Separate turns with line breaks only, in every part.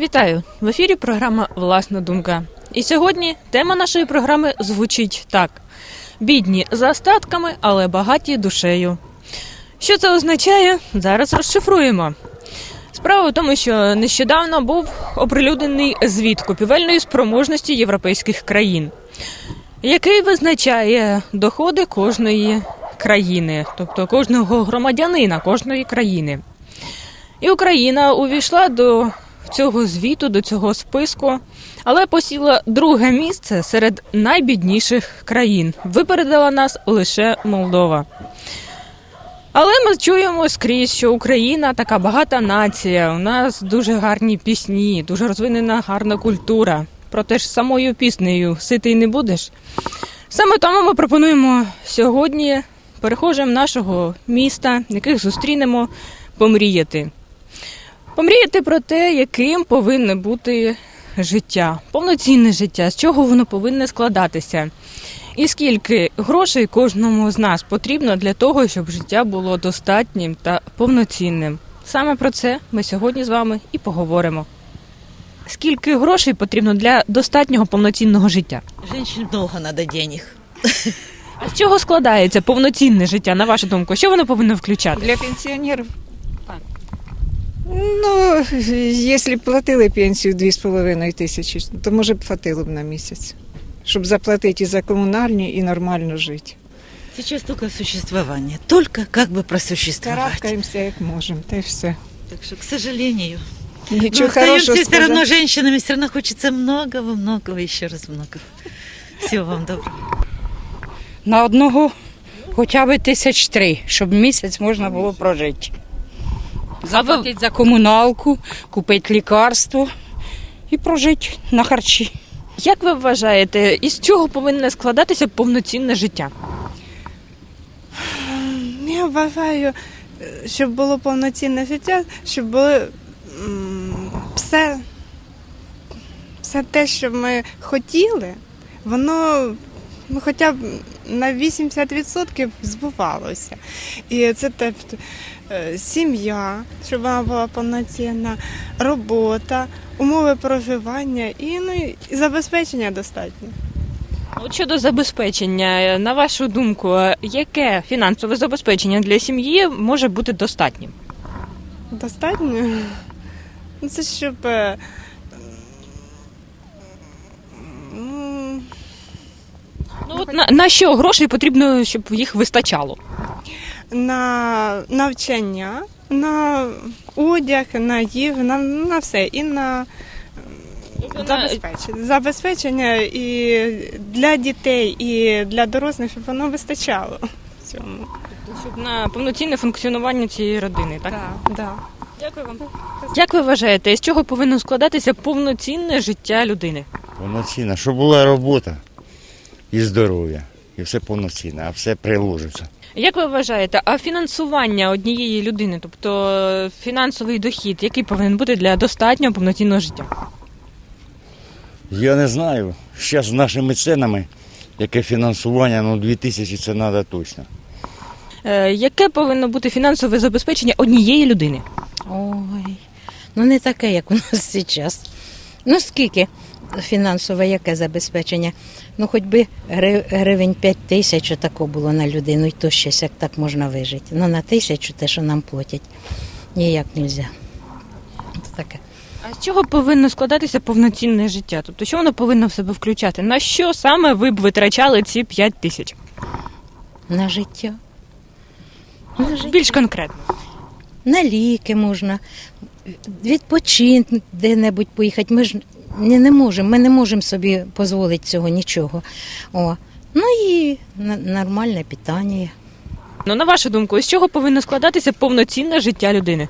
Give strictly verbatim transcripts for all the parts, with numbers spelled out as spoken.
Вітаю! В ефірі програма «Власна думка». І сьогодні тема нашої програми звучить так. Бідні за статками, але багаті душею. Що це означає? Зараз розшифруємо. Справа в тому, що нещодавно був оприлюднений звіт купівельної спроможності європейських країн, який визначає доходи кожної країни, тобто кожного громадянина кожної країни. І Україна увійшла до цього звіту, до цього списку, але посіла друге місце серед найбідніших країн. Випередила нас лише Молдова. Але ми чуємо скрізь, що Україна така багата нація, у нас дуже гарні пісні, дуже розвинена гарна культура. Проте ж самою піснею ситий не будеш. Саме тому ми пропонуємо сьогодні перехожим нашого міста, яких зустрінемо, помріяти. Помріяти про те, яким повинне бути життя, повноцінне життя, з чого воно повинне складатися. І скільки грошей кожному з нас потрібно для того, щоб життя було достатнім та повноцінним. Саме про це ми сьогодні з вами і поговоримо. Скільки грошей потрібно для достатнього повноцінного життя?
Женщин много надо денег.
А з чого складається повноцінне життя, на вашу думку? Що воно повинно включати?
Для пенсіонерів? Так. Ну, якщо б платили пенсію дві з половиною тисячі, то, може б, хватило б на місяць, щоб заплатити і за комунальні, і нормально жити.
Сейчас только существование, только как бы просуществовать.
Карабкаємося, як можемо, та й все.
Так что, к сожалению,
Нічого
мы
хорошого
остаемся все равно
сказати.
женщинами, все равно хочется многого, многого, еще раз много. Всего вам доброго.
На одного хоча б тисяч три, щоб місяць можна було прожити. Заплатити за комуналку, купити лікарство і прожити на харчі.
Як ви вважаєте, із чого повинне складатися повноцінне життя?
Я вважаю, щоб було повноцінне життя, щоб було м, все, все те, що ми хотіли, воно ну, хоча б на вісімдесят відсотків збувалося. І це тобто, е, сім'я, щоб вона була повноцінна, робота, умови проживання і, ну, і забезпечення достатньо.
От щодо забезпечення, на вашу думку, яке фінансове забезпечення для сім'ї може бути достатнім?
Достатньо? Ну, це щоб е, ну,
Ну, от на, на що грошей потрібно, щоб їх вистачало?
на навчання, на одяг, на їжу, на, на все. І на забезпечення. Забезпечення і для дітей, і для дорослих, щоб воно вистачало цьому.
Щоб на повноцінне функціонування цієї родини, так?
Так, да.
Дякую вам. Як ви вважаєте, з чого повинно складатися повноцінне життя людини?
Повноцінна, щоб була робота і здоров'я, і все повноцінне, а все приложиться.
Як ви вважаєте, а фінансування однієї людини, тобто фінансовий дохід, який повинен бути для достатнього повноцінного життя?
Я не знаю, зараз з нашими цінами, яке фінансування, ну дві тисячі це треба точно.
Е, яке повинно бути фінансове забезпечення однієї людини?
Ой, ну не таке, як у нас зараз. Ну скільки фінансове, яке забезпечення? Ну хоч би гривень п'ять тисяч тако було на людину, і то щось, як так можна вижити. Ну на тисячу те, що нам платять, ніяк не можна. Це таке.
А з чого повинно складатися повноцінне життя? Тобто, що воно повинно в себе включати? На що саме ви б витрачали ці п'ять тисяч?
На життя. На життя.
Більш конкретно.
На ліки можна, відпочинку де-небудь поїхати. Ми ж не, не можемо, ми не можемо собі дозволити цього нічого. О. Ну і на- нормальне питання.
Ну, на вашу думку, з чого повинно складатися повноцінне життя людини?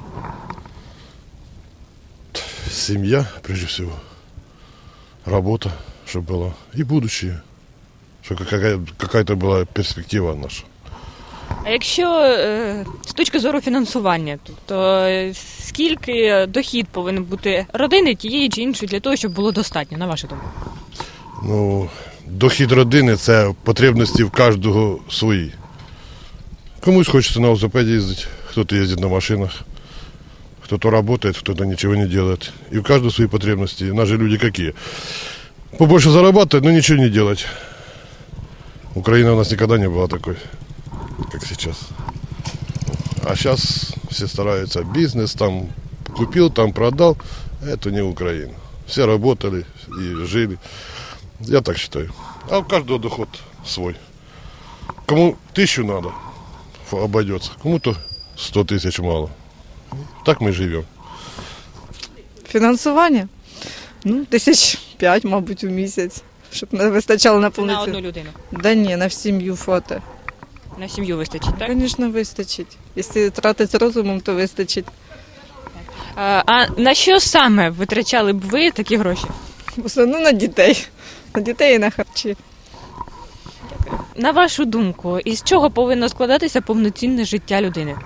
Семья, прежде всего, работа, чтобы была, и будущее, чтобы какая- какая-то была перспектива наша.
А якщо е, з точки зору фінансування, тобто е, скільки дохід повинен бути родини тієї чи іншої для того, щоб було достатньо, на вашу думку?
Ну, дохід родини – це потребності в кожного свої. Комусь хочеться на велосипеді їздити, хтось їздить на машинах, Кто-то работает, кто-то ничего не делает. И у каждого свои потребности. У нас же люди какие? Побольше зарабатывать, но ничего не делать. Украина у нас никогда не была такой, как сейчас. А сейчас все стараются. Бизнес там купил, там продал. Это не Украина. Все работали и жили. Я так считаю. А у каждого доход свой. Кому тысячу надо, обойдется. Кому-то сто тысяч мало. Так ми живемо.
Фінансування? Ну, тисяч п'ять, мабуть, у місяць, щоб не вистачало на
На
повноцінну.
одну людину.
Да ні, на сім'ю фото.
На сім'ю вистачить, так?
Звісно, вистачить. Якщо тратити розумом, то вистачить.
А, а на що саме витрачали б ви такі гроші?
В основному на дітей. На дітей і на харчі.
На вашу думку, із чого повинно складатися повноцінне життя людини?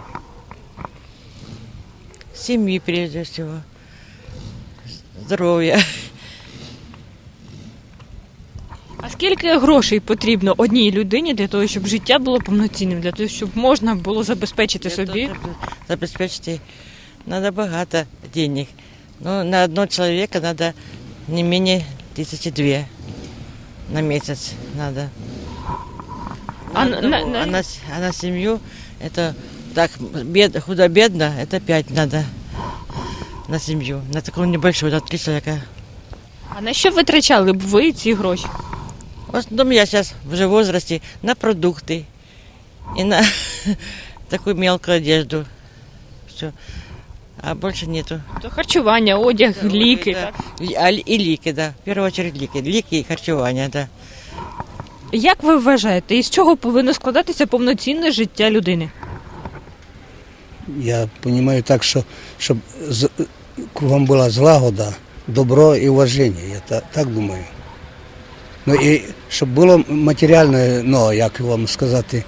Семьи прежде всего, здоровья.
А скільки грошей потрібно одній людині для того, щоб життя було повноцінним, для того, щоб можна було забезпечити собі?
Забеспечить надо богато денег. Но на одного человека надо не менее тысячи две на месяц надо.
А
На
на-
одного,
на-
а на с- а на семью это так бед, худо-бедно, это пять надо на семью. На такого небольшого, на три человека.
А на що витрачали б ви ці гроші?
В основном я сейчас уже в возрасте на продукты и на такую мелкую одежду. Все. А больше нету.
То харчування, одяг, ліки.
Да.
Так?
И, а, и лики, да. В первую очередь лики. Лики и харчевание, да.
Як ви вважаєте, із чого повинно складатися повноцінне життя людини?
Я розумію так, що щоб з- кругом була злагода, добро і уваження. Я та, так думаю. Ну і щоб було матеріальне, ну як вам сказати,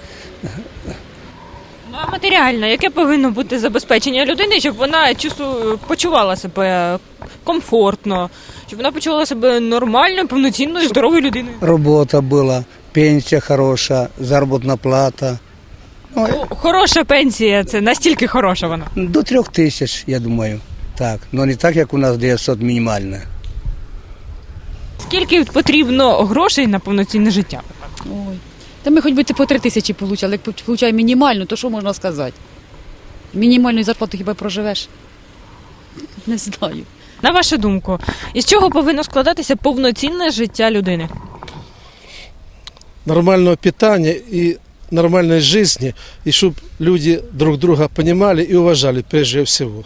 Ну а матеріально, яке повинно бути забезпечення людини, щоб вона чувству почувала себе комфортно, щоб вона почувала себе нормальною, повноцінною, здоровою людиною?
робота була, пенсія хороша, заробітна плата. Ну,
Ну, хороша пенсія, це настільки хороша вона.
до трьох тисяч, я думаю. Так. Ну не так, як у нас дев'ятсот мінімальне.
Скільки потрібно грошей на повноцінне життя?
Ой. Та ми хоч би по три тисячі получали, як получаємо мінімальну, то що можна сказати? Мінімальною зарплату хіба проживеш? Не знаю.
На вашу думку, із чого повинно складатися повноцінне життя людини?
Нормального питания и нормальной жизни, и чтобы люди друг друга понимали и уважали прежде всего.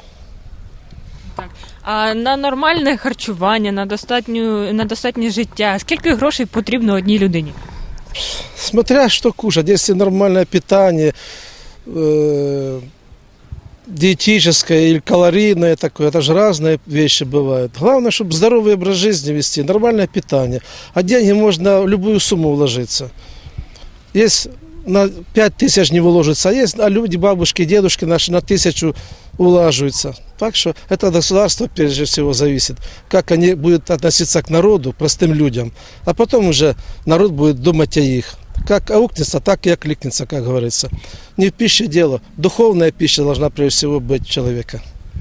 А на нормальне харчування, на достатню, на достатнє життя, скільки грошей потрібно одній людині?
Смотря что кушать, если нормальное питание, э, диетическое или калорийное такое, это же разные вещи бывают. Главное, чтобы здоровый образ жизни вести, нормальное питание. А деньги можно в любую сумму вложиться. Есть на пять тысяч не вложится, а есть, а люди, бабушки, дедушки наши на тысячу улаживаются. Так что это государство прежде всего зависит, как они будут относиться к народу, простым людям. А потом уже народ будет думать о их. Как аукнется, так и окликнется, как говорится. Не в пище дело. Духовная пища должна прежде всего быть у человека.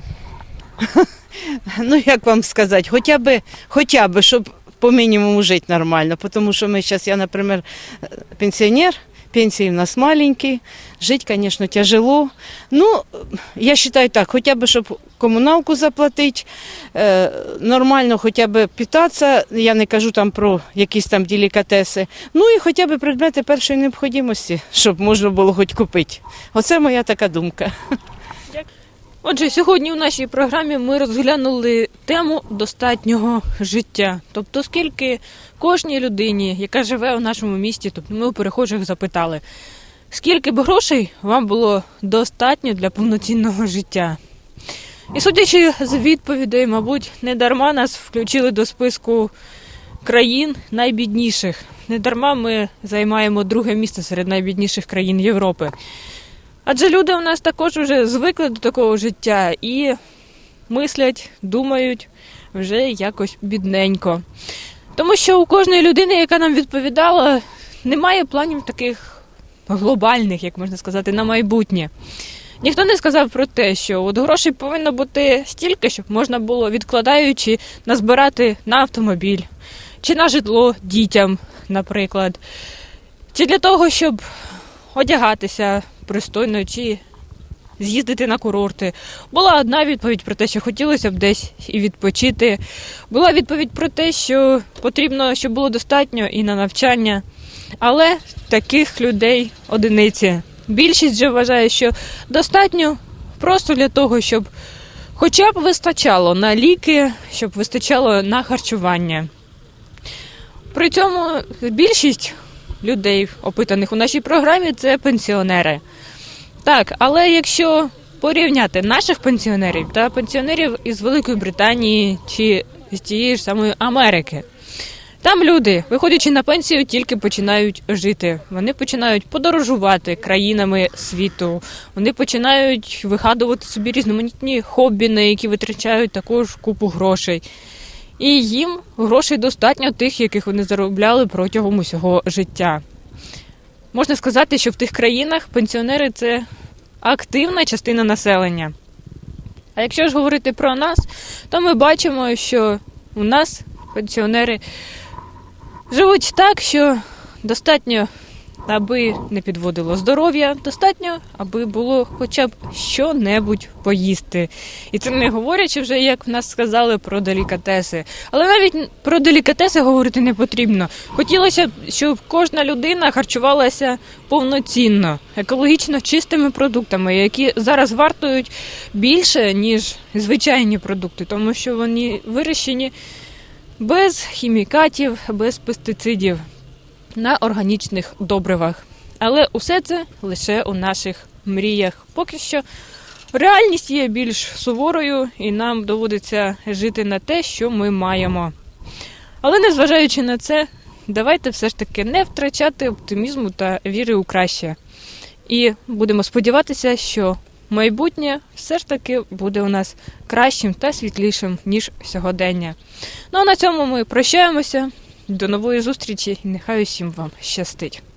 Ну, як вам сказати, хоча б, хоча б, щоб по мінімуму жити нормально, тому що ми зараз, я, наприклад, пенсіонер, пенсії в нас маленькі, жити, звісно, тяжело. Ну, я вважаю так, хоча б, щоб комуналку заплатити, е, нормально хоча б питатися, я не кажу там про якісь там делікатеси, ну і хоча б предмети першої необхідності, щоб можна було хоч купити. Оце моя така думка.
Отже, сьогодні у нашій програмі ми розглянули тему достатнього життя. Тобто, скільки кожній людині, яка живе у нашому місті, тобто ми у перехожих запитали, скільки б грошей вам було достатньо для повноцінного життя. І судячи з відповідей, мабуть, не дарма нас включили до списку країн найбідніших. Не дарма ми займаємо друге місце серед найбідніших країн Європи. Адже люди у нас також вже звикли до такого життя і мислять, думають вже якось бідненько. Тому що у кожної людини, яка нам відповідала, немає планів таких глобальних, як можна сказати, на майбутнє. Ніхто не сказав про те, що от грошей повинно бути стільки, щоб можна було, відкладаючи, назбирати на автомобіль, чи на житло дітям, наприклад, чи для того, щоб одягатися пристойно, чи з'їздити на курорти. Була одна відповідь про те, що хотілося б десь і відпочити. Була відповідь про те, що потрібно, щоб було достатньо і на навчання. Але таких людей одиниці. Більшість же вважає, що достатньо просто для того, щоб хоча б вистачало на ліки, щоб вистачало на харчування. При цьому більшість людей, опитаних у нашій програмі, це пенсіонери. Так, але якщо порівняти наших пенсіонерів та пенсіонерів із Великої Британії чи з тієї ж самої Америки, там люди, виходячи на пенсію, тільки починають жити. Вони починають подорожувати країнами світу, вони починають вигадувати собі різноманітні хобі, на які витрачають також купу грошей. І їм грошей достатньо тих, яких вони заробляли протягом усього життя. Можна сказати, що в тих країнах пенсіонери – це активна частина населення. А якщо ж говорити про нас, то ми бачимо, що у нас пенсіонери живуть так, що достатньо, аби не підводило здоров'я, достатньо, аби було хоча б що-небудь поїсти. І це не говорячи вже, як в нас сказали, про делікатеси. Але навіть про делікатеси говорити не потрібно. Хотілося б, щоб кожна людина харчувалася повноцінно, екологічно чистими продуктами, які зараз вартують більше, ніж звичайні продукти, тому що вони вирощені без хімікатів, без пестицидів, на органічних добривах. Але усе це лише у наших мріях. Поки що реальність є більш суворою, і нам доводиться жити на те, що ми маємо. Але незважаючи на це, давайте все ж таки не втрачати оптимізму та віри у краще. І будемо сподіватися, що майбутнє все ж таки буде у нас кращим та світлішим, ніж сьогодення. Ну а на цьому ми прощаємося. До нової зустрічі і нехай усім вам щастить.